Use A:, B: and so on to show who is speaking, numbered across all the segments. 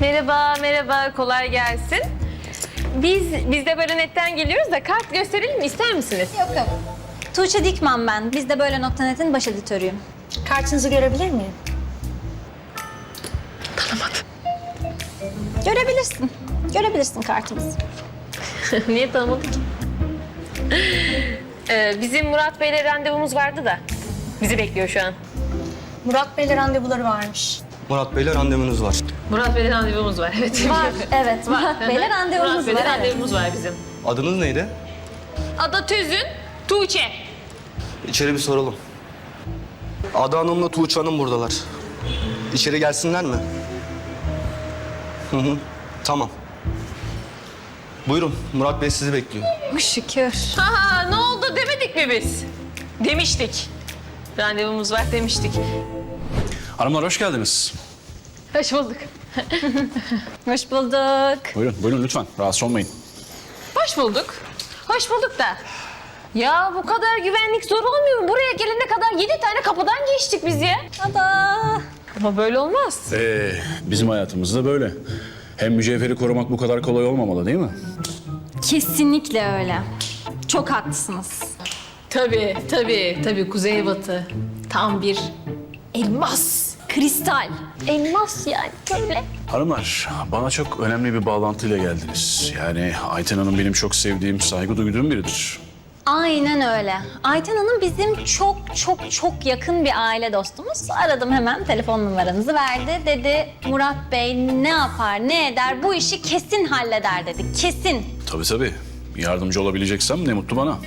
A: Merhaba, merhaba. Kolay gelsin. Biz de böyle netten geliyoruz da kart gösterelim mi? İster misiniz?
B: Yok. Tuğçe Dikman ben. Biz de böyle .net'in baş editörüyüm.
C: Kartınızı görebilir miyim?
A: Tanımadım.
B: Görebilirsin kartımızı.
A: Niye tanımadık ki? Bizim Murat Bey'le randevumuz vardı da. Bizi bekliyor şu an.
C: Murat Bey'le randevuları varmış.
D: Murat Bey'le randevunuz var.
A: Murat Bey'le randevumuz var, evet.
B: Var, evet. Murat Bey'le randevumuz
A: Murat Bey'le
B: var.
A: randevumuz var bizim.
D: Adınız neydi?
A: Ada Tüzün, Tuğçe.
D: İçeri bir soralım. Ada Hanım'la Tuğçe Hanım buradalar. İçeri gelsinler mi? Hı. Tamam. Buyurun, Murat Bey sizi bekliyor.
B: Şükür.
A: Ha, ne oldu demedik mi biz? Demiştik. Randevumuz var demiştik.
E: Hanımlar hoş geldiniz.
A: Hoş bulduk.
B: Hoş bulduk.
E: Buyurun lütfen. Rahatsız olmayın.
A: Hoş bulduk. Hoş bulduk da. Ya bu kadar güvenlik zor olmuyor mu? Buraya gelene kadar 7 tane kapıdan geçtik biz ya.
B: Ada.
A: Ama böyle olmaz.
E: Bizim hayatımızda böyle. Hem mücevheri korumak bu kadar kolay olmamalı değil mi?
B: Kesinlikle öyle. Çok haklısınız.
A: Tabii. Kuzeybatı. Tam bir elmas.
B: Kristal.
A: Elmas yani böyle.
E: Hanımlar bana çok önemli bir bağlantıyla geldiniz. Yani Ayten Hanım benim çok sevdiğim, saygı duyduğum biridir.
B: Aynen öyle. Ayten Hanım bizim çok yakın bir aile dostumuz. Aradım hemen, telefon numaranızı verdi. Dedi Murat Bey ne yapar, ne eder, bu işi kesin halleder dedi. Kesin.
E: Tabii. Yardımcı olabileceksem ne mutlu bana.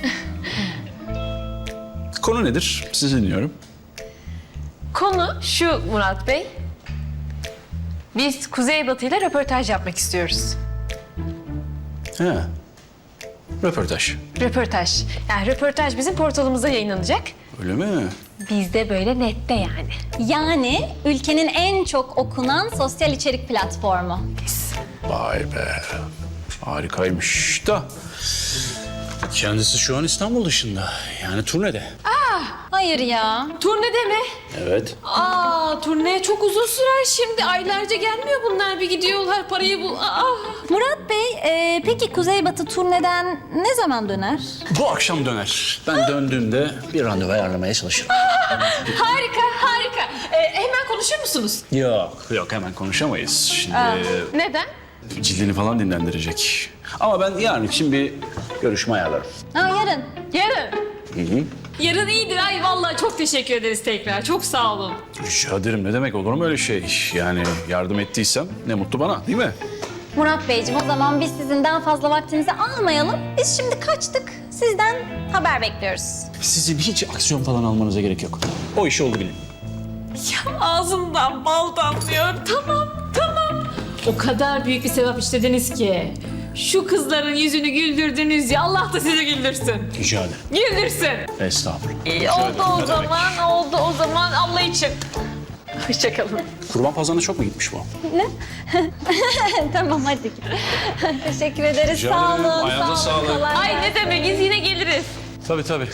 E: Konu nedir? Sizi dinliyorum.
A: Konu şu Murat Bey. Biz Kuzeybatı ile röportaj yapmak istiyoruz.
E: He. Röportaj.
A: Röportaj. Yani röportaj bizim portalımıza yayınlanacak.
E: Öyle mi?
A: Bizde böyle nette yani.
B: Yani ülkenin en çok okunan sosyal içerik platformu.
E: Vay be. Harikaymış da. Kendisi şu an İstanbul dışında. Yani turnede.
B: Hayır ya.
A: Turnede mi?
E: Evet.
A: Turne çok uzun sürer şimdi. Aylarca gelmiyor bunlar. Bir gidiyorlar parayı bul.
B: Murat Bey, peki Kuzeybatı turneden ne zaman döner?
E: Bu akşam döner. Ben döndüğümde bir randevu ayarlamaya çalışırım.
A: Harika. Hemen konuşur musunuz?
E: Yok hemen konuşamayız. Şimdi
A: Neden?
E: cildini falan dinlendirecek. Ama ben yarın için bir görüşme ayarlarım.
B: Yarın.
A: Yarın. Yarın iyidir. Ay vallahi çok teşekkür ederiz tekrar. Çok sağ olun.
E: Rica ederim, ne demek, olur mu öyle şey? Yani yardım ettiysem ne mutlu bana, değil mi?
B: Murat Beyciğim, o zaman biz sizin daha fazla vaktinizi almayalım. Biz şimdi kaçtık. Sizden haber bekliyoruz.
E: Sizin hiç aksiyon falan almanıza gerek yok. O işi oldu bilin.
A: Ağzımdan bal damlıyor. Tamam. O kadar büyük bir sevap işlediniz ki. Şu kızların yüzünü güldürdünüz ya. Allah da sizi güldürsün.
E: Rica ederim.
A: Güldürsün.
E: Estağfurullah.
A: İyi,
E: Rica ederim,
A: oldu
E: ne demek.
A: o zaman Allah için. Hoşçakalın.
E: Kurban pazarına çok mu gitmiş bu?
B: Tamam, hadi. Teşekkür ederiz.
E: Rica
B: Sağ
E: ederim.
B: olun.
E: Ayağınıza
B: sağ olun.
E: sağlık.
B: Kolay
A: Ay
B: gelsin.
A: ne demek biz yine geliriz.
E: Tabii.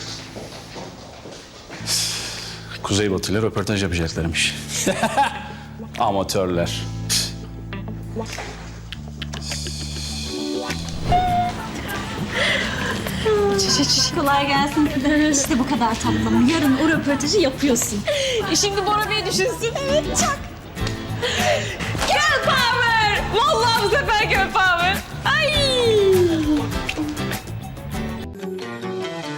E: Kuzeybatı ile röportaj yapacaklarmış. Amatörler.
B: Kolay gelsin. İşte bu kadar tatlım. Yarın o röportajı yapıyorsun.
A: Şimdi Bora Bey düşünsün. Evet çak. Girl power. Vallahi bu sefer girl power. Ay.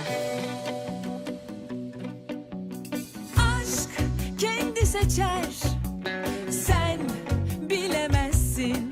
F: Aşk kendi seçer